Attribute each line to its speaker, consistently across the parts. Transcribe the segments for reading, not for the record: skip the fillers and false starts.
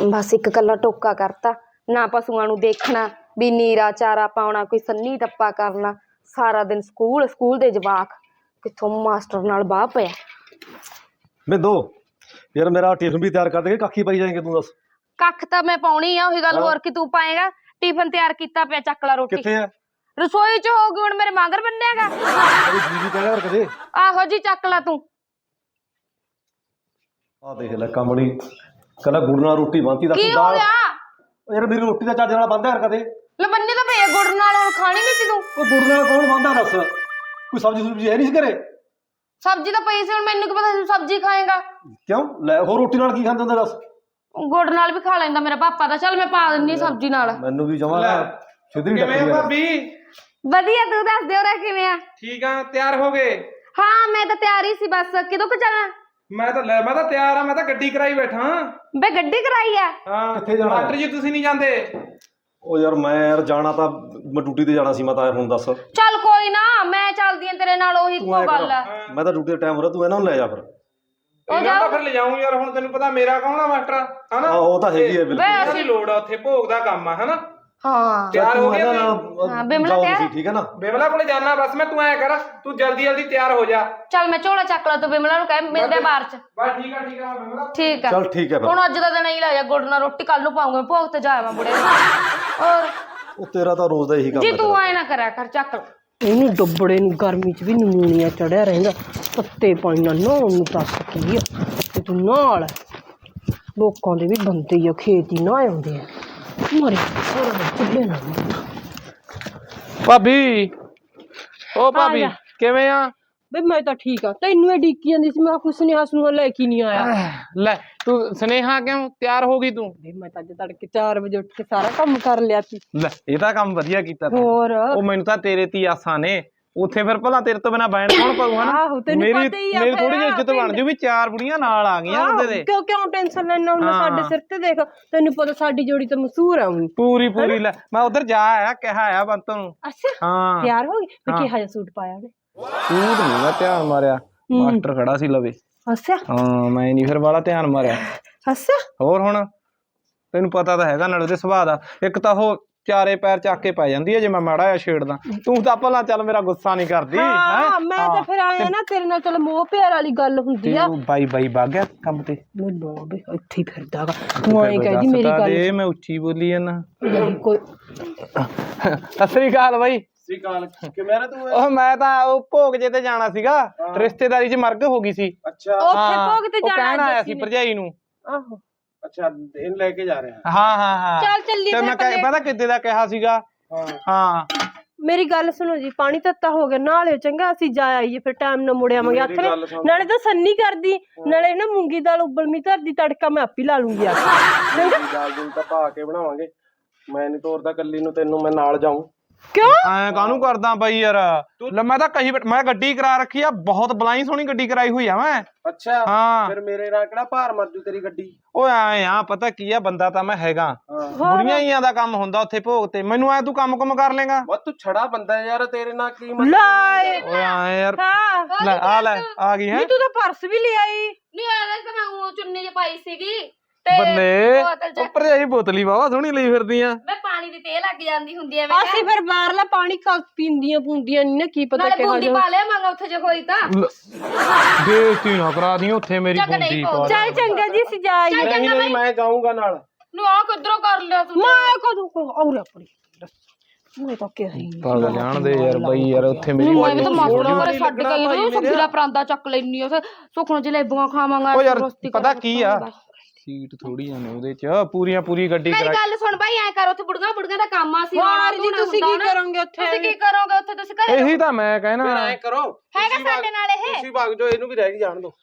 Speaker 1: बस एक कला टोका करता ना पशुआं नूं देखना भी नीरा चारा पाउणा कोई सन्नी टप्पा करना सारा दिन स्कूल स्कूल दे जवाक किथों मास्टर नाल बाह पिया।
Speaker 2: बिंदो यार मेरा टिफिन भी तैयार कर देंगे काकी पाई जाएंगे तू दस।
Speaker 1: कख तां मैं पाउणी आ ओही गल होर कि तू पाएगा टिफिन तैयार कीता पिया चक ला रोटी
Speaker 2: कित्थे है
Speaker 1: रसोई च होगी हुण मेरे मगर बन्नेगा
Speaker 2: जी जी कहना कदे
Speaker 1: आहो जी चक ला तू
Speaker 2: आ देख ले कमड़ी कहला गुड़ नाल रोटी बनती
Speaker 1: की हो गया
Speaker 2: यार मेरी रोटी दा ਚੱਜ ਨਾਲ ਬੰਦਾ ਯਾਰ ਕਦੇ
Speaker 1: ले बन्नी तां पे गुड़ नाल हुण खानी नहीं सी तू
Speaker 2: ਉਹ ਗੁੜ ਨਾਲ ਕੌਣ ਬੰਦਾ ਦੱਸ ਕੋਈ ਸਬਜ਼ੀ ਸੁਬਜ਼ੀ ਹੈ ਨਹੀਂ ਘਰੇ
Speaker 1: सब्जी तां पई सी हुण मैनू की पता तू सब्जी खाएगा
Speaker 2: ਕਿਉਂ ਲੈ ਹੋਰ ਰੋਟੀ ਨਾਲ ਕੀ ਖਾਂਦੇ ਹੁੰਦੇ ਦੱਸ
Speaker 1: गुड़ नाल भी खा लैंदा मेरा पापा दा चल मैं पा दिन्नी सब्जी नाल
Speaker 2: ਮੈਨੂੰ ਵੀ ਜਮਾ ਸਿੱਧੀ
Speaker 3: ਕਿਵੇਂ
Speaker 2: ਟੱਕਰੀ
Speaker 3: ਭਾਬੀ
Speaker 1: ਵਧੀਆ ਤੂੰ ਦੱਸ ਦੇ ਹੋਰ ਕਿਵੇਂ ਆ
Speaker 3: ਠੀਕ ਆ ਤਿਆਰ ਹੋ ਗਏ
Speaker 1: ਹਾਂ ਮੈਂ ਤਾਂ ਤਿਆਰ ਹੀ ਸੀ ਬਸ ਕਿਦੋਂ ਕੁ ਜਾਣਾ
Speaker 3: ਮੈਂ ਤਾਂ ਤਿਆਰ ਆ ਮੈਂ ਤਾਂ ਗੱਡੀ ਕਰਾਈ ਬੈਠਾ
Speaker 1: ਬੇ ਗੱਡੀ ਕਰਾਈ ਆ
Speaker 3: ਹਾਂ
Speaker 2: ਕਿੱਥੇ ਜਾਣਾ?
Speaker 3: ਮਾਸਟਰ ਜੀ ਤੁਸੀਂ ਨਹੀਂ ਜਾਂਦੇ
Speaker 2: ਉਹ ਯਾਰ ਮੈਂ ਯਾਰ ਜਾਣਾ ਤਾਂ ਮੈਂ ਡਿਊਟੀ ਤੇ ਜਾਣਾ ਸੀ ਮੈਂ ਤਾਂ ਹੁਣ ਦੱਸ
Speaker 1: ਚੱਲ ਕੋਈ ਨਾ ਮੈਂ ਚੱਲਦੀ ਆਂ ਤੇਰੇ ਨਾਲ ਉਹੀ
Speaker 2: ਤੂੰ ਐਂ
Speaker 1: ਇੱਕੋ ਗੱਲ ਆ
Speaker 2: ਕਰ, ਮੈਂ ਤਾਂ ਡਿਊਟੀ ਦਾ ਟਾਈਮ ਹੋ ਰਿਹਾ ਤੂੰ ਇਹਨਾਂ ਨੂੰ ਲੈ ਜਾ ਫਿਰ
Speaker 3: ਇਹਨਾਂ ਤਾਂ ਫਿਰ ਲਿਜਾਉਂ ਯਾਰ ਹੁਣ ਤੈਨੂੰ ਪਤਾ ਮੇਰਾ ਕੌਣ ਆ ਮਾਸਟਰ ਹਨਾ
Speaker 2: ਆਹ ਉਹ ਤਾਂ ਹੈਗੀ ਹੈ ਬਿਲਕੁਲ
Speaker 3: ਇਹਨਾਂ ਦੀ ਲੋੜ ਆ ਉੱਥੇ ਭੋਗ ਦਾ ਕੰਮ ਆ ਹਨਾ
Speaker 1: ਹਾਂ
Speaker 3: ਤਿਆਰ ਹੋ ਗਿਆ
Speaker 1: ਹਾਂ, ਬਿਮਲਾ
Speaker 2: ਜਾਓ
Speaker 1: ਤਿਆਰ?
Speaker 2: ਤੁਸੀਂ ਠੀਕ ਹੈ ਨਾ
Speaker 3: ਬਿਮਲਾ ਕੋਲੇ ਜਾਣਾ ਬਸ ਮੈਂ ਤੂੰ ਐ ਕਰ ਤੂੰ ਜਲਦੀ ਜਲਦੀ ਤਿਆਰ ਹੋ ਜਾ
Speaker 1: ਚੱਲ ਮੈਂ ਝੋਲਾ ਚੱਕ ਲਾ ਤੂੰ ਬਿਮਲਾ ਨੂੰ ਕਹਿ ਮਿਲਦੇ ਆ ਬਾਹਰ ਚ
Speaker 3: ਬਸ ਠੀਕ ਆ ਬਿਮਲਾ
Speaker 1: ਠੀਕ ਆ
Speaker 2: ਚੱਲ ਠੀਕ ਹੈ ਫਿਰ
Speaker 1: ਹੁਣ ਅੱਜ ਦਾ ਦਿਨ ਹੀ ਲੈ ਜਾ ਗੁੜ ਨਾਲ ਰੋਟੀ ਕੱਲ ਨੂੰ ਪਾਉਂਗਾ ਭੋਗ ਤੇ ਜਾਵਾਂ ਬੁੜੇ ਔਰ
Speaker 2: ਉਹ ਤੇਰਾ ਤਾਂ ਰੋਜ਼ ਦਾ ਇਹੀ ਕੰਮ
Speaker 1: ਜੀ
Speaker 2: ਹੈ
Speaker 1: ਤੂੰ ਆਏ ਨਾ ਕਰਿਆ ਕਰ ਚੱਕ ਲਾ।
Speaker 4: ਇਹਨੂੰ ਡੱਬੜੇ ਨੂੰ ਗਰਮੀ 'ਚ ਵੀ ਨਮੂਨੀਆ ਚੜਿਆ ਰਹਿੰਦਾ ਤੱਤੇ ਪਾਣੀ ਨਾਲ ਨਹਾਉਣ ਨੂੰ ਦੱਸ ਕੀ ਆ ਤੇ ਤੂੰ ਨਾਲ ਲੋਕਾਂ ਦੇ ਵੀ ਬੰਦੇ ਹੀ ਆ ਖੇਤ ਹੀ ਨਾ ਆਉਂਦੇ ਆ ਮਰੇ ਹੋਰ ਚੁੱਲੇ ਨਾ
Speaker 3: ਭਾਬੀ ਓ ਭਾਬੀ
Speaker 4: ਆ ਜਾ।
Speaker 3: ਕਿਵੇਂ ਆ
Speaker 4: ਬਈ ਮੈਂ ਤਾਂ ਠੀਕ ਆ ਤੈਨੂੰ ਇਹ ਡੀਕੀ ਜਾਂਦੀ ਸੀ ਮੈਂ ਕੁਛ ਨਹੀਂ ਹੱਸ ਨੂੰ ਲੈ ਕੇ ਨਹੀਂ ਆਇਆ
Speaker 3: ਲੈ ਤੂੰ ਸੁਨੇਹਾ ਕਿਉਂ ਤਿਆਰ ਹੋ ਗਈ ਤੂੰ
Speaker 4: ਬਈ ਮੈਂ ਤਾਂ ਅੱਜ ਤੜਕੇ 4 ਵਜੇ ਉੱਠ ਕੇ ਸਾਰਾ ਕੰਮ ਕਰ ਲਿਆ ਸੀ
Speaker 3: ਲੈ ਇਹ ਤਾਂ ਕੰਮ ਵਧੀਆ ਕੀਤਾ ਤੂੰ
Speaker 4: ਹੋਰ
Speaker 3: ਉਹ ਮੈਨੂੰ ਤਾਂ ਤੇਰੇ ਤੇ ਆਸਾਂ ਨੇ ਉੱਥੇ ਫਿਰ ਭਲਾ ਤੇਰੇ ਤੋਂ ਬਿਨਾ ਬੈਣ ਕੌਣ ਪਾਊ ਹਨਾ
Speaker 4: ਆਹੋ ਤੈਨੂੰ ਪਤਾ ਹੀ ਆ
Speaker 3: ਮੇਰੀ
Speaker 4: ਫਿਰ
Speaker 3: ਥੋੜੀ ਜਿਹੀ ਇੱਜ਼ਤ ਬਣ ਜੂ ਵੀ 4 ਬੁੜੀਆਂ ਨਾਲ ਆ ਗਈਆਂ ਉਹਦੇ ਦੇ
Speaker 4: ਕਿਉਂ ਕਿਉਂ ਟੈਨਸ਼ਨ ਲੈਣਾ ਹੁਣ ਸਾਡੇ ਸਿਰ ਤੇ ਦੇਖ ਤੈਨੂੰ ਪਤਾ ਸਾਡੀ ਜੋੜੀ ਤਾਂ ਮਸ਼ਹੂਰ ਆ ਹੁਣ
Speaker 3: ਪੂਰੀ ਲੈ ਮੈਂ ਉਧਰ ਜਾ ਆਇਆ ਕਿਹਾ ਆਇਆ ਬੰਤ ਨੂੰ
Speaker 4: ਅੱਛਾ
Speaker 3: ਹਾਂ
Speaker 4: ਤਿਆਰ ਹੋ ਗਈ ਮੈਂ ਕਿਹਾ ਜਿਹਾ ਸੂਟ ਪਾਇਆ ਉਹਨੇ
Speaker 3: ਸੂਟ ਨਹੀਂ ਮੈਂ ਧਿਆਨ ਮਾਰਿਆ ਮਾਸਟਰ ਖੜਾ ਸੀ ਲਵੇ
Speaker 4: ਅੱਛਾ
Speaker 3: ਹਾਂ ਮੈਂ ਨਹੀਂ ਫਿਰ ਵਾਲਾ ਧਿਆਨ ਮਾਰਿਆ
Speaker 4: ਅੱਛਾ
Speaker 3: ਹੋਰ ਹੁਣ ਤੈਨੂੰ ਪਤਾ ਤਾਂ ਹੈਗਾ ਨਾਲ ਉਹਦੇ ਸੁਭਾਅ ਦਾ ਇੱਕ ਤਾਂ ਉਹ ਚਾਰੇ ਪੈਰ ਚੱਕ ਕੇ ਪੈ ਜਾਂਦੀ ਹੈ ਜੇ ਮੈਂ ਮਾੜਾ ਜਿਹਾ ਛੇੜਦਾ ਤੂੰ ਤਾਂ ਭਲਾ ਚੱਲ ਮੇਰਾ ਗੁੱਸਾ ਨਹੀਂ ਕਰਦੀ
Speaker 4: ਹਾਂ ਮੈਂ ਤਾਂ ਫਿਰ ਆਇਆ ਨਾ ਤੇਰੇ ਨਾਲ ਚਲ ਮੋਹ ਪਿਆਰ ਵਾਲੀ ਗੱਲ ਹੁੰਦੀ ਆ
Speaker 3: ਬਾਈ ਵਗ ਗਿਆ ਕੰਮ ਤੇ
Speaker 4: ਮੈਨੂੰ ਵੀ ਇੱਥੇ ਹੀ ਫਿਰਦਾਗਾ ਤੂੰ ਐਂ ਕਹਿੰਦੀ ਮੇਰੀ ਗੱਲ
Speaker 3: ਮੈਂ ਉੱਚੀ ਬੋਲੀ ਜਾਂਦਾ
Speaker 4: ਨਹੀਂ ਕੋਈ
Speaker 3: ਸਤਿ ਸ੍ਰੀ ਅਕਾਲ ਬਾਈ
Speaker 2: ਕਿਵੇਂ ਨਾ ਤੂੰ
Speaker 3: ਉਹ ਮੈਂ ਤਾਂ ਉਹ ਭੋਗ ਜੇ ਤੇ ਜਾਣਾ ਸੀਗਾ ਰਿਸ਼ਤੇਦਾਰੀ 'ਚ ਮਰਗ ਹੋ ਗਈ ਸੀ
Speaker 2: ਅੱਛਾ
Speaker 4: ਉੱਥੇ ਭੋਗ ਤੇ
Speaker 3: ਉਹ ਕਹਿਣ
Speaker 4: ਜਾਣਾ
Speaker 3: ਆਇਆ ਸੀ ਭਰਜਾਈ ਨੂੰ
Speaker 4: ਆਹੋ
Speaker 2: ਅੱਛਾ ਇਹਨੂੰ ਲੈ ਕੇ ਜਾ ਰਹੇ
Speaker 3: ਹਾਂ
Speaker 4: ਚੱਲ ਚੱਲੀਏ
Speaker 3: ਤੇ ਮੈਂ ਪਤਾ ਕਿੱਦੇ ਦਾ ਕਿਹਾ ਸੀਗਾ ਹਾਂ
Speaker 4: ਮੇਰੀ ਗੱਲ ਸੁਣੋ ਜੀ ਪਾਣੀ ਤੱਤਾ ਹੋ ਗਿਆ ਨਾਲੇ ਚੰਗਾ ਅਸੀਂ ਜਾ ਆਈਏ ਫਿਰ ਟਾਈਮ ਨਾਲ ਮੁੜ ਆਵਾਂਗੇ ਹੱਥ ਨੇ ਨਾਲੇ ਤਾਂ ਸੰਨੀ ਕਰਦੀ ਨਾਲੇ ਨਾ ਮੂੰਗੀ ਦਾਲ ਉਬਲਮੀ ਧਰਦੀ ਤੜਕਾ ਮੈਂ ਆਪੀ ਲਾ ਲੂੰਗੀ ਆ
Speaker 2: ਦਾਲ ਦੂਲ ਤਾਂ ਪਾ ਕੇ ਬਣਾਵਾਂਗੇ ਮੈਂ ਨਹੀਂ ਤੋਰਦਾ ਕੱਲੀ ਨੂੰ ਤੈਨੂੰ ਮੈਂ ਨਾਲ ਜਾਊਂ
Speaker 4: ਕਿਉਂ
Speaker 3: ਐ ਕਾਹਨੂੰ ਕਰਦਾ ਬਾਈ ਯਾਰ ਲੈ ਮੈਂ ਤਾਂ ਮੈਂ ਗੱਡੀ ਕਰਾ ਰੱਖੀ ਆ ਬਹੁਤ ਬਲਾਈ ਸੋਹਣੀ ਗੱਡੀ ਕਰਾਈ ਹੋਈ ਆ ਮੈਂ
Speaker 2: ਅੱਛਾ
Speaker 3: ਹਾਂ
Speaker 2: ਫਿਰ ਮੇਰੇ ਨਾਲ ਕਿਹੜਾ ਭਾਰ ਮਰ ਜੂ ਤੇਰੀ ਗੱਡੀ
Speaker 3: ਓਏ ਐ ਆ ਪਤਾ ਕੀ ਆ ਬੰਦਾ ਤਾਂ ਮੈਂ ਹੈਗਾ ਬੁੜੀਆਂ ਹੀ ਦਾ ਕੰਮ ਹੁੰਦਾ ਉੱਥੇ ਭੋਗ ਤੇ ਮੈਨੂੰ ਐ ਤੂੰ ਕੰਮ ਕਰ ਲੇਗਾ
Speaker 2: ਵਾ ਤੂੰ ਛੜਾ ਬੰਦਾ ਯਾਰ ਤੇਰੇ ਨਾਲ ਕੀ
Speaker 4: ਲੈ
Speaker 3: ਓਏ ਐ ਯਾਰ
Speaker 4: ਹਾਂ
Speaker 3: ਲੈ ਆ ਗਈ ਹੈ
Speaker 4: ਨਹੀਂ ਤੂੰ ਤਾਂ ਪਰਸ ਵੀ ਲੈ ਆਈ
Speaker 1: ਨਹੀਂ ਆਇਆ ਤਾਂ ਮੈਂ ਉਹ ਚੁੰਨੀ ਚ ਪਾਈ ਸੀਗੀ
Speaker 3: ਬੱਲੇ ਉੱਪਰ ਜਾਈ ਬੋਤਲੀ ਵਾਵਾ ਸੋਹਣੀ ਲਈ ਫਿਰਦੀ ਆ
Speaker 1: ਮੈਂ ਪਾਣੀ ਦੀ ਤੇਲ ਲੱਗ ਜਾਂਦੀ ਹੁੰਦੀ ਐ
Speaker 4: ਅਸੀਂ ਫਿਰ ਬਾਹਰਲਾ ਪਾਣੀ ਪੀਂਦੀਆਂ ਪੁੰਦੀਆਂ ਨਹੀਂ ਨਾ ਕੀ ਪਤਾ
Speaker 1: ਨਾਲੇ
Speaker 4: ਕਿਹੋ
Speaker 1: ਬੂੰਦੀ
Speaker 4: ਜਿਹਾ
Speaker 1: ਪਾ ਲਿਆ ਮੰਗਾ ਉੱਥੇ ਜੇ ਹੋਈ ਤਾਂ
Speaker 3: ਬੇਇੱਜ਼ਤੀ ਨਾ ਕਰਾ ਦੀ ਉੱਥੇ ਮੇਰੀ ਬੁੰਦੀ ਪਾ
Speaker 4: ਚੱਲ ਚੰਗਾ ਜੀ ਅਸੀਂ ਜਾ ਆਈਏ
Speaker 2: ਨਹੀਂ ਮੈਂ ਜਾਊਂਗਾ ਨਾਲ
Speaker 1: ਨੂੰ ਆ ਕਿੱਧਰੋਂ ਕਰ ਲਿਆ ਤੂੰ
Speaker 4: ਮੈਂ ਕਦੋਂ ਕੋ ਔਰ ਆਪਣੀ ਮੈਂ ਤਾਂ ਕਿਹਾ ਹੀ
Speaker 3: ਪਾਗਲ ਜਾਣ ਦੇ ਯਾਰ ਬਾਈ ਯਾਰ ਉੱਥੇ ਮੇਰੀ
Speaker 1: ਮੈਂ ਵੀ ਤਾਂ ਮਾਸਟਰ ਵਾਲੇ ਛੱਡ ਕੇ ਆਈ ਉਹ ਸਬਜ਼ੀ ਦਾ ਪਰਾਂਦਾ ਚੱਕ ਲੈਣੀ ਉਹ ਸੁਖਣ ਜਲੇਬੀਆਂ ਖਾਵਾਂਗਾ
Speaker 3: ਉਹ ਯਾਰ ਪਤਾ ਕੀ ਆ ਸੀਟ ਥੋੜੀ ਆ ਨੇ ਉਹਦੇ ਚ ਪੂਰੀ ਗੱਡੀ
Speaker 1: ਮੇਰੀ
Speaker 3: ਕਰਾ
Speaker 1: ਗੱਲ ਸੁਣ ਬਾਈ ਐ ਕਰ ਉੱਥੇ ਬੁੜੀਆਂ ਦਾ ਕੰਮ ਆ ਸੀ
Speaker 4: ਹੋਰ ਜੀ ਤੁਸੀਂ ਕੀ ਕਰੋਗੇ ਉੱਥੇ
Speaker 1: ਤੁਸੀਂ ਕੀ ਕਰੋਗੇ ਉੱਥੇ ਤੁਸੀਂ ਘਰੇ
Speaker 3: ਇਹੀ ਤਾਂ ਮੈਂ ਕਹਿਣਾ
Speaker 2: ਐ ਕਰੋ
Speaker 1: ਹੈਗਾ ਸਾਡੇ ਨਾਲ ਇਹ
Speaker 2: ਤੁਸੀਂ ਵਗ ਜਾਓ ਇਹਨੂੰ ਵੀ ਰਹਿ ਕੇ ਜਾਣ ਦੋ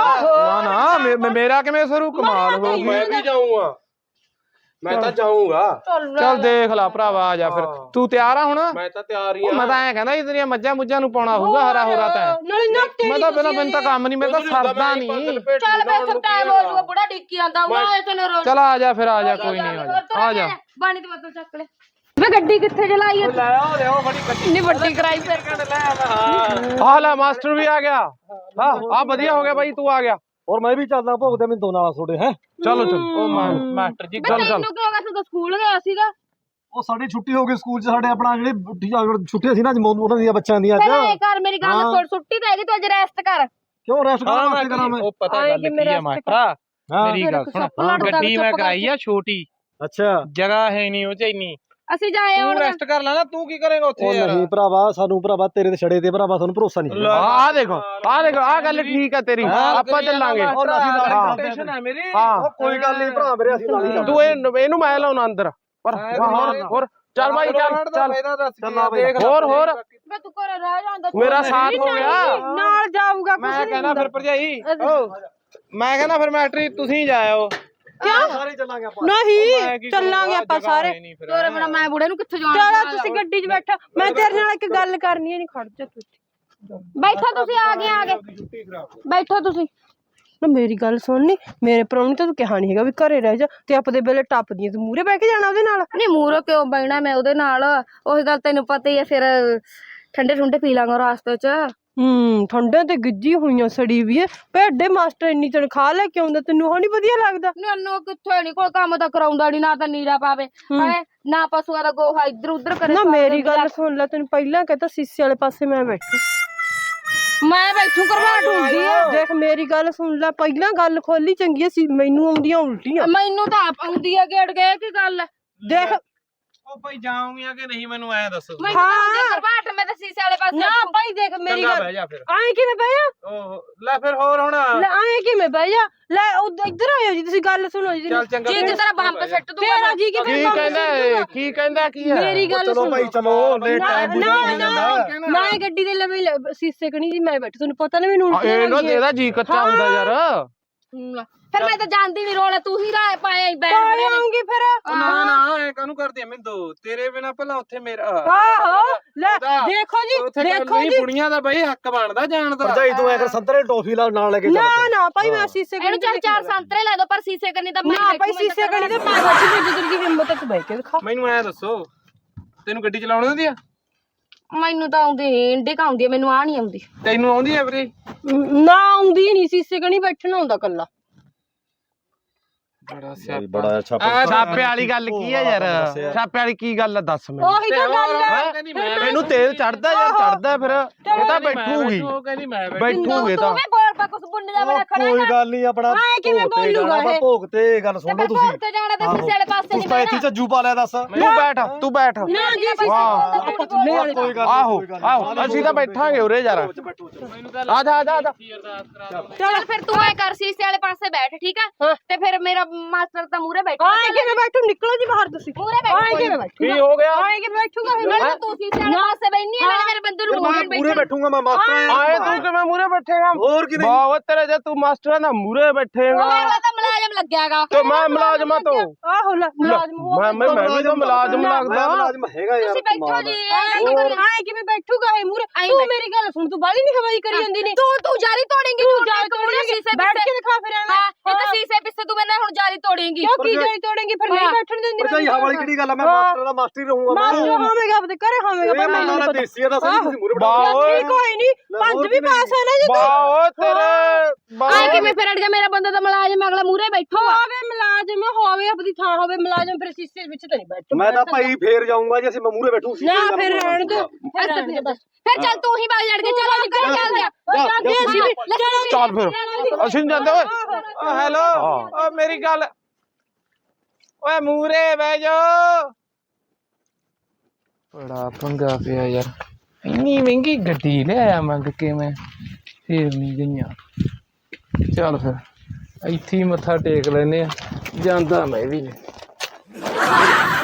Speaker 3: ਨਾ ਮੇਰਾ ਕਿਵੇਂ ਸਰੂ ਕਮਾਲ ਹੋ ਗਈ
Speaker 2: ਮੈਂ ਵੀ ਜਾਊਂਗਾ ਮੈਂ ਤਾਂ ਜਾਊਂਗਾ
Speaker 3: ਚੱਲ ਦੇਖ ਲੈ ਭਰਾਵਾ ਆ ਜਾ ਫਿਰ ਤੂੰ ਤਿਆਰ ਆ ਹੁਣ
Speaker 2: ਮੈਂ ਤਾਂ ਤਿਆਰ ਹੀ
Speaker 3: ਮੈਂ ਤਾਂ ਐ ਕਹਿੰਦਾ ਇਤਨੀਆਂ ਮੱਝਾਂ ਮੁੱਝਾਂ ਨੂੰ ਪਾਉਣਾ ਹੋਊਗਾ ਹਰਾ ਹੋਰਾ ਤਾਂ
Speaker 4: ਨਾਲੇ ਨਾ
Speaker 3: ਮੈਂ ਤਾਂ ਬਿਨਾਂ ਬਿਨ ਤਾਂ ਕੰਮ ਨਹੀਂ ਮੈਂ ਤਾਂ ਸਰਦਾ ਨਹੀਂ
Speaker 1: ਚੱਲ ਬੇ ਇੱਥੇ ਟਾਈਮ ਹੋ ਜਾਊਗਾ ਬੁੜਾ ਡਿੱਕੀ ਆਂਦਾ ਮੈਂ ਤੈਨੂੰ ਰੋਜ਼
Speaker 3: ਚਲ ਆ ਜਾ ਫਿਰ ਆ ਜਾ ਕੋਈ ਨਹੀਂ ਆ ਜਾ
Speaker 1: ਬਾਣੀ ਦੀ ਬੋਤਲ ਚੱਕ ਲੈ ਵੇ ਗੱਡੀ ਕਿੱਥੇ ਚਲਾਈ ਐ
Speaker 3: ਲੈ ਆਓ ਲਿਓ ਬੜੀ ਗੱਡੀ
Speaker 1: ਨਹੀਂ ਵੱਡੀ ਕਰਾਈ ਫਿਰ
Speaker 3: ਆ ਲੈ ਮਾਸਟਰ ਵੀ ਆ ਗਿਆ ਹਾਂ ਆ ਵਧੀਆ ਹੋ ਗਿਆ ਬਾਈ ਤੂੰ ਆ ਗਿਆ
Speaker 2: ਔਰ ਮੈਂ ਵੀ ਚੱਲਦਾ ਭੋਗਦੇ ਮੈਨੂੰ ਦੋ ਨਾਲ ਤੁਹਾਡੇ ਹੈ।
Speaker 3: ਚਲੋ ਚਲੋ ਉਹ ਮਾਸਟਰ ਜੀ ਚੱਲ ਚੱਲ।
Speaker 1: ਤੈਨੂੰ ਕਿਉਂ ਗਿਆ, ਤੂੰ ਤਾਂ ਸਕੂਲ ਗਿਆ ਸੀਗਾ।
Speaker 2: ਉਹ ਸਾਡੀ ਛੁੱਟੀ ਹੋ ਗਈ ਸਕੂਲ 'ਚ, ਸਾਡੇ ਆਪਣਾ ਜਿਹੜੀ ਛੁੱਟੀਆਂ ਸੀ ਨਾ ਅੱਜ ਉਹਨਾਂ ਦੀਆਂ ਬੱਚਿਆਂ ਦੀਆਂ
Speaker 1: ਪਹਿਲਾਂ
Speaker 2: ਅੱਜ।
Speaker 1: ਇਹ ਕਰ, ਮੇਰੀ ਗੱਲ ਸੁਣ, ਛੁੱਟੀ ਤਾਂ ਹੈਗੀ, ਤੂੰ ਅੱਜ ਰੈਸਟ ਕਰ।
Speaker 2: ਕਿਉਂ ਰੈਸਟ ਕਰਾਂ ਵਾਸਤੇ ਕਰਾਂ ਮੈਂ?
Speaker 3: ਉਹ ਪਤਾ ਗੱਲ ਕੀ ਆ ਮਾਸਟਰਾ, ਮੇਰੀ ਗੱਲ ਸੁਣ, ਗੱਡੀ ਮੈਂ ਕਰਾਈ ਆ ਛੋਟੀ,
Speaker 2: ਅੱਛਾ
Speaker 3: ਜਗ੍ਹਾ ਹੈ ਨਹੀਂ ਉਹ ਚ ਇੰਨੀ,
Speaker 1: ਅਸੀਂ ਜਾਏ
Speaker 3: ਤੂੰ
Speaker 1: ਹੁਣ।
Speaker 3: ਰੈਸਟ ਕਰ ਲੈਣਾ, ਤੂੰ ਕੀ ਕਰੇਗਾ ਉੱਥੇ
Speaker 2: ਉਹ
Speaker 3: ਯਾਰ?
Speaker 2: ਨਹੀਂ ਭਰਾਵਾ, ਸਾਨੂੰ ਭਰਾਵਾ ਤੇਰੇ ਤੇ ਛੜੇ ਤੇ ਭਰਾਵਾ ਸਾਨੂੰ ਭਰੋਸਾ ਨਹੀਂ।
Speaker 3: ਆਹ ਦੇਖੋ ਆਹ ਗੱਲ ਠੀਕ ਆ ਤੇਰੀ, ਆਪਾਂ ਚੱਲਾਂਗੇ।
Speaker 2: ਟੈਨਸ਼ਨ
Speaker 3: ਹੈ ਮੇਰੀ।
Speaker 2: ਉਹ ਕੋਈ ਗੱਲ ਨਹੀਂ ਭਰਾ ਮੇਰੇ, ਅਸੀਂ ਨਾਲ ਹੀ
Speaker 3: ਤੂੰ ਇਹਨੂੰ ਮੈਂ ਲਾਉਣਾ ਅੰਦਰ, ਪਰ ਹੋਰ ਚੱਲ ਭਾਈ ਚੱਲ ਚੱਲ ਹੋਰ
Speaker 1: ਮੈਂ ਤੂੰ ਘਰੇ ਰਹਿ ਜਾਂਦਾ,
Speaker 3: ਮੇਰਾ ਸਾਥ ਹੋ ਗਿਆ।
Speaker 4: ਨਾਲ ਜਾਊਗਾ
Speaker 3: ਮੈਂ ਕਹਿੰਦਾ ਫਿਰ ਭਰਜਾਈ, ਮੈਂ ਕਹਿੰਦਾ ਫਿਰ ਮੈਟਰੀ ਤੁਸੀਂ ਜਾਇਓ।
Speaker 2: ਸਾਰੇ ਚੱਲਾਂਗੇ ਆਪਾਂ।
Speaker 4: ਨਹੀਂ ਚੱਲਾਂਗੇ ਆਪਾਂ ਸਾਰੇ।
Speaker 1: ਤੋਰੇ ਬਣਾ, ਮੈਂ ਬੁੜੇ ਨੂੰ ਕਿੱਥੇ ਜਾਣਾ?
Speaker 4: ਚਲੋ ਤੁਸੀਂ ਗੱਡੀ 'ਚ ਬੈਠੋ, ਮੈਂ ਤੇਰੇ ਨਾਲ ਇੱਕ ਗੱਲ ਕਰਨੀ ਹੈ। ਨਹੀਂ ਖੜ ਜਾ ਤੂੰ,
Speaker 1: ਬੈਠੋ ਤੁਸੀਂ, ਆ ਗਏ ਬੈਠੋ ਤੁਸੀਂ।
Speaker 4: ਨਾ ਮੇਰੀ ਗੱਲ ਸੁਣਨੀ, ਮੇਰੇ ਪ੍ਰਾਹੁਣੇ ਤਾਂ ਤੂੰ ਕਿਹਾ ਨਹੀਂ ਹੈਗਾ ਵੀ ਘਰੇ ਰਹਿ ਜਾ, ਤੇ ਆਪਦੇ ਵੇਲੇ ਟੱਪਦੀਆਂ ਤੂੰ ਮੂਹਰੇ ਬਹਿ ਕੇ ਜਾਣਾ ਉਹਦੇ ਨਾਲ।
Speaker 1: ਨਹੀਂ ਮੂਹਰੇ ਕਿਉਂ ਬਹਿਣਾ ਮੈਂ ਉਹਦੇ ਨਾਲ, ਉਹੀ ਗੱਲ ਤੈਨੂੰ ਪਤਾ ਹੀ ਹੈ। ਫਿਰ ਠੰਡੇ ਠੁੰਡੇ ਪੀ ਲਾਂਗਾ ਰਾਸਤੇ 'ਚ।
Speaker 4: ਠੰਡੇ ਤੇ ਗਿੱਜੀ ਹੋਈਆਂ ਸੜੀ ਵੀ ਹੈ। ਭੇਡੇ ਮਾਸਟਰ ਇੰਨੀ ਤਨਖਾਹ ਲੈ ਕੇ ਆਉਂਦਾ, ਤੈਨੂੰ ਉਹ ਨੀ ਵਧੀਆ ਲੱਗਦਾ?
Speaker 1: ਮੈਨੂੰ ਕਿੱਥੇ ਨੀ, ਕੋਈ ਕੰਮ ਤਾਂ ਕਰਾਉਂਦਾ ਨੀ, ਨਾ ਤਾਂ ਨੀਰਾ ਪਾਵੇ ਹੈ, ਨਾ ਪਸ਼ੂਆਂ ਦਾ ਗੋਹਾ ਇੱਧਰ ਉੱਧਰ ਕਰੇ।
Speaker 4: ਨਾ ਮੇਰੀ ਗੱਲ ਸੁਣ ਲੈ, ਤੈਨੂੰ ਪਹਿਲਾਂ ਕਹਤਾ ਸੀਸੇ ਵਾਲੇ ਪਾਸੇ ਮੈਂ ਬੈਠੂ,
Speaker 1: ਮੈਂ ਬੈਠੂ ਕਰਵਾਟ ਹੁੰਦੀ ਆ।
Speaker 4: ਦੇਖ ਮੇਰੀ ਗੱਲ ਸੁਣ ਲੈ, ਪਹਿਲਾਂ ਗੱਲ ਖੋਲੀ ਚੰਗੀ ਸੀ, ਮੈਨੂੰ ਆਉਂਦੀਆਂ ਉਲਟੀਆਂ।
Speaker 1: ਮੈਨੂੰ ਤਾਂ ਆਪ ਆਉਂਦੀ ਆ, ਗੇੜ ਗਏ ਕੀ ਗੱਲ ਹੈ?
Speaker 4: ਦੇਖ
Speaker 3: ਉਹ ਭਾਈ ਜਾਉਂਗੀਆਂ ਕਿ ਨਹੀਂ ਮੈਨੂੰ ਐ ਦੱਸੋ।
Speaker 1: ਮੈਨੂੰ ਤਾਂ ਆਉਂਦੀ ਆ ਕਰਵਾਟ, ਮੈਂ ਤਾਂ ਸੀਸੇ ਵਾਲੇ ਪਾਸੇ।
Speaker 4: ਨਾ ਭਾਈ ਦੇਖ ਮੇਰੀ
Speaker 3: ਚੰਗਾ
Speaker 4: ਗੱਲ,
Speaker 3: ਬਹਿ ਜਾ ਫਿਰ।
Speaker 4: ਆਏ ਕਿਵੇਂ ਬਹਿ ਜਾ?
Speaker 3: ਓਹ ਲੈ ਫਿਰ ਹੋਰ ਹੁਣ
Speaker 4: ਲੈ ਆਏ ਕਿਵੇਂ ਬਹਿ ਜਾ? ਲੈ ਇੱਧਰ ਆਇਓ ਜੀ, ਤੁਸੀਂ ਗੱਲ ਸੁਣੋ ਜੀ।
Speaker 3: ਚੱਲ ਚੰਗਾ
Speaker 1: ਜੀ ਤੇਰਾ ਬੰਬ ਸਿੱਟ ਦੂੰਗਾ
Speaker 4: ਤੇਰਾ ਜੀ
Speaker 3: ਕੀ ਕਹਿੰਦਾ ਕੀ ਹੈ?
Speaker 4: ਮੇਰੀ ਗੱਲ
Speaker 2: ਚਲੋ
Speaker 4: ਸੁਣੋ
Speaker 2: ਭਾਈ ਚਲੋ, ਲੇਟ ਟਾਈਮ
Speaker 4: ਮੈਂ ਗੱਡੀ ਦੇ ਲਵੇ ਸੀਸੇ ਕਣੀ ਜੀ ਮੈਂ ਬੈਠੀ, ਤੁਹਾਨੂੰ ਪਤਾ ਨਾ ਮੈਨੂੰ ਉਲਟੀਆਂ
Speaker 3: ਇਹ ਨਾ
Speaker 4: ਲੱਗੀਆਂ।
Speaker 3: ਇਹਦਾ ਜੀ ਕੱਚਾ ਹੁੰਦਾ ਯਾਰ।
Speaker 1: ਫਿਰ ਮੈਂ ਤਾਂ ਜਾਣਦੀ ਨਹੀਂ, ਰੋਲਾ ਤੂੰ ਹੀ ਰਾਹ ਪਾਇਆ ਬੈਠ
Speaker 4: ਕਾਲੇ ਆਉਂਗੀ ਫਿਰ।
Speaker 3: ਨਾ ਐ ਕਾਹਨੂੰ ਕਰਦੀ ਐ ਮਿੰਦੋ, ਤੇਰੇ ਬਿਨਾ ਪਹਿਲਾਂ ਉੱਥੇ ਮੇਰਾ
Speaker 4: ਆਹੋ ਲੈ ਦੇਖੋ ਜੀ,
Speaker 3: ਉੱਥੇ
Speaker 4: ਦੇਖੋ ਜੀ,
Speaker 3: ਕੁੜੀਆਂ ਦਾ ਬਈ ਹੱਕ ਬਣਦਾ ਜਾਣ ਦਾ।
Speaker 2: ਭਰਜਾਈ ਤੂੰ ਐ ਸੰਤਰੇ ਟੋਫੀ ਨਾਲ ਲੈ ਕੇ ਚੱਲ।
Speaker 4: ਨਾ ਭਾਈ ਮੈਂ ਸੀਸੇ
Speaker 1: ਇਹਨੂੰ ਚੱਲ 4 ਸੰਤਰੇ ਲੈ ਦੋ, ਪਰ ਸੀਸੇ ਕਰਨੀ ਤਾਂ ਮੈਂ
Speaker 4: ਨਾ ਭਾਈ ਸੀਸੇ ਕਣੀ ਤੇ ਮੈਂ ਬੱਚੀ ਦੀ ਜਿੱਦ ਦੀ ਹਿੰਮਤ ਤੇ ਬਹਿ ਕੇ ਦਿਖਾ।
Speaker 3: ਮੈਨੂੰ ਐ ਦੱਸੋ, ਤੈਨੂੰ ਗੱਡੀ ਚਲਾਉਣ ਆਉਂਦੀ ਆ?
Speaker 1: ਮੈਨੂੰ ਤਾਂ ਆਉਂਦੀ ਨੀ, ਇੰਡੀ ਆਉਂਦੀ ਆ, ਮੈਨੂੰ ਆ ਨਹੀਂ ਆਉਂਦੀ।
Speaker 3: ਤੈਨੂੰ ਆਉਂਦੀ ਐ ਵੀਰੇ?
Speaker 4: ਨਾ ਆਉਂਦੀ ਨਹੀਂ, ਸੀਸੇ ਕਣੀ ਬੈਠਣਾ ਹੁੰਦਾ ਕੱਲਾ।
Speaker 2: ਬੜਾ
Speaker 3: ਛਾਪੇ ਵਾਲੀ ਗੱਲ ਕੀ ਆ ਯਾਰ? ਛਾਪੇ ਵਾਲੀ ਕੀ ਗੱਲ ਆ ਦੱਸ ਮੈਨੂੰ।
Speaker 4: ਉਹੀ ਤਾਂ ਗੱਲ ਹੈ,
Speaker 3: ਮੈਨੂੰ ਤੇਲ ਚੜਦਾ ਯਾਰ, ਚੜਦਾ ਫਿਰ ਇਹ ਤਾਂ ਬੈਠੂਗੀ ਬੈਠੂਗੀ ਤਾਂ।
Speaker 1: ਤੂੰ ਵੀ ਬੋਲ ਪਾ, ਕੁਛ ਬੁੰਡ ਜਾ ਬਣਾ ਖੜਾ
Speaker 2: ਕੋਈ ਗੱਲ ਨਹੀਂ, ਆਪਣਾ
Speaker 4: ਕਿਵੇਂ ਬੋਲੂਗਾ ਇਹ?
Speaker 2: ਭੋਗ ਤੇ ਗੱਲ ਸੁਣ ਲਓ ਤੁਸੀਂ।
Speaker 1: ਤੇ ਜਾਣਾ ਤੇ ਸੀਸੇ ਵਾਲੇ ਪਾਸੇ
Speaker 2: ਤੂੰ
Speaker 1: ਨਹੀਂ
Speaker 2: ਤਾਂ ਇੱਥੇ ਝੱਜੂ ਪਾ ਲਿਆ ਦੱਸ।
Speaker 3: ਤੂੰ ਬੈਠ
Speaker 4: ਨਾ ਜੀ
Speaker 2: ਕੋਈ ਗੱਲ
Speaker 3: ਆਹੋ ਅਸੀਂ ਤਾਂ ਬੈਠਾਂਗੇ ਉਰੇ ਯਾਰ। ਆ ਜਾ
Speaker 1: ਚੱਲ ਫਿਰ ਤੂੰ ਐ ਕਰ, ਸੀਸੇ ਵਾਲੇ ਪਾਸੇ ਬੈਠ, ਠੀਕ ਆ? ਤੇ ਫਿਰ ਮੇਰਾ ਮਾਸਟਰ ਤਾਂ ਮੂਹਰੇ ਬੈਠਾ।
Speaker 4: ਆਏ ਕਿਵੇਂ ਬੈਠੂ? ਨਿਕਲੋ ਜੀ ਬਾਹਰ ਤੁਸੀਂ।
Speaker 1: ਮੂਹਰੇ ਬੈਠ।
Speaker 4: ਆਏ ਕਿਵੇਂ ਬੈਠੂ?
Speaker 3: ਕੀ ਹੋ ਗਿਆ?
Speaker 4: ਆਏ ਕਿਵੇਂ ਬੈਠੂਗਾ ਫਿਰ?
Speaker 1: ਮੈਂ ਤੂੰ ਸੀਸੇ ਵਾਲੇ ਪਾਸੇ ਬੈਠਨੀ ਆ, ਮੇਰੇ ਬੰਦੇ ਨੂੰ ਮੂਹਰੇ
Speaker 2: ਮੂਰੇ ਬੈਠੂਗਾ ਮੈਂ ਮਾਸਟਰ।
Speaker 3: ਆਏ ਤੂੰ ਕਿਵੇਂ ਮੂਰੇ ਬੈਠੇਗਾ?
Speaker 2: ਹੋਰ ਕੀ ਨਹੀਂ।
Speaker 3: ਵਾਹ ਤੇਰੇ ਜੇ ਤੂੰ ਮਾਸਟਰਾਂ ਦਾ ਮੂਰੇ ਬੈਠੇਗਾ
Speaker 1: ਉਹ ਤਾਂ ਮੁਲਾਜ਼ਮ ਲੱਗਿਆਗਾ।
Speaker 3: ਤੇ ਮੈਂ ਮੁਲਾਜ਼ਮਾਂ ਤੋਂ
Speaker 4: ਆਹੋ ਲੈ ਮੁਲਾਜ਼ਮ ਹੋ।
Speaker 3: ਮੈਂ ਵੀ ਤਾਂ ਮੁਲਾਜ਼ਮ ਲੱਗਦਾ।
Speaker 2: ਮੁਲਾਜ਼ਮ ਹੈਗਾ ਯਾਰ।
Speaker 1: ਤੁਸੀਂ ਬੈਠੋ ਜੀ।
Speaker 4: ਆਏ ਕਿਵੇਂ ਬੈਠੂਗਾ ਇਹ ਮੂਰੇ? ਤੂੰ ਮੇਰੀ ਗੱਲ ਸੁਣ, ਤੂੰ ਬਾਲੀ ਨਹੀਂ ਹਵਾਈ ਕਰੀ ਜਾਂਦੀ ਨਹੀਂ।
Speaker 1: ਤੂੰ ਜਾਰੀ ਤੋੜੇਂਗੀ,
Speaker 4: ਤੂੰ ਜਾਰੀ ਤੋੜੇਂਗੀ, ਬੈਠ ਕੇ ਦਿਖਾ ਫਿਰ ਐਵੇਂ।
Speaker 1: ਹਾਂ ਇੱਕ ਸੀਸੇ ਪਿੱਛੇ ਤੂੰ ਮੈਨਾਂ ਹੁਣ ਜਾਰੀ ਤੋੜੇਂਗੀ।
Speaker 4: ਕਿਉਂ ਕੀ ਜਾਰੀ ਤੋੜੇਂਗੀ? ਫਿਰ ਨਹੀਂ ਬੈਠਣ ਦਿੰਦੀ।
Speaker 2: ਭਰਜਾਈ ਹਵਾ ਵਾਲੀ ਕਿਹੜੀ ਗੱਲ ਆ? ਮੈਂ ਮਾਸਟਰ ਦਾ ਮਾਸਟਰ ਹੀ ਰਹੂੰਗਾ।
Speaker 4: ਮਾਸਟਰ ਹੋਵੇਗਾ ਆਪਦੇ ਘਰੇ ਹੋਵੇਗਾ, ਪਰ ਮੈਨੂੰ
Speaker 2: ਨਾ
Speaker 4: ਪਤਾ।
Speaker 2: ਦੇਸੀ ਦਾ ਸਹੀ ਤੁਸੀਂ ਮੂਰੇ
Speaker 4: ਠੀਕ ਹੋਈ ਨਹੀਂ, ਪੰਜ ਵੀ ਪਾਸ ਹੈ ਨਾ ਜੀ।
Speaker 3: ਵਾਹ ਤੇਰੇ
Speaker 1: ਆਏ ਕਿਵੇਂ ਫਿਰ ਅੜ ਗਿਆ? ਮੇਰਾ ਬੰਦਾ ਤਾਂ ਮੁਲਾਜ਼ਮ ਅਗਲਾ ਮੂਹਰੇ ਬੈਠੂਗਾ।
Speaker 4: ਹੋਵੇ ਮੁਲਾਜ਼ਮ ਹੋਵੇ, ਆਪਦੀ ਥਾਂ ਹੋਵੇ ਮੁਲਾਜ਼ਮ, ਫਿਰ ਸੀਸੇ ਵਿੱਚ ਤਾਂ ਨਹੀਂ ਬੈਠੂ।
Speaker 2: ਮੈਂ ਤਾਂ ਭਾਈ ਫੇਰ ਜਾਊਂਗਾ ਜੇ ਅਸੀਂ ਮੈਂ ਮੂਰੇ ਬੈਠੂ ਸੀ।
Speaker 4: ਨਾ ਫਿਰ ਰਹਿਣ ਦੋ, ਫਿਰ ਰਹਿਣ ਦੇ ਬਸ।
Speaker 1: ਫਿਰ ਚੱਲ ਤੂੰ ਹੀ ਬਾਗ ਜੜ ਕੇ ਚਲੋ ਨਿਕਲ ਚੱਲਦੇ ਆ।
Speaker 3: ਚੱਲ ਫਿਰ ਅਸੀਂ ਨੀ ਜਾਂਦੇ ਓਏ। ਹੈਲੋ ਓ ਮੇਰੀ ਗੱਲ, ਓਏ ਮੂਰੇ ਬਹਿ ਜਾ। ਬੜਾ ਪੰਗਾ ਪਿਆ ਯਾਰ, ਇੰਨੀ ਮਹਿੰਗੀ ਗੱਡੀ ਲੈ ਆਇਆ ਮੰਗ ਕੇ ਮੈਂ, ਫੇਰ ਨਹੀਂ ਗਈਆਂ। ਚੱਲ ਫਿਰ ਇੱਥੇ ਹੀ ਮੱਥਾ ਟੇਕ ਲੈਨੇ ਆ, ਜਾਂਦਾ ਮੈਂ ਵੀ ਨਹੀਂ।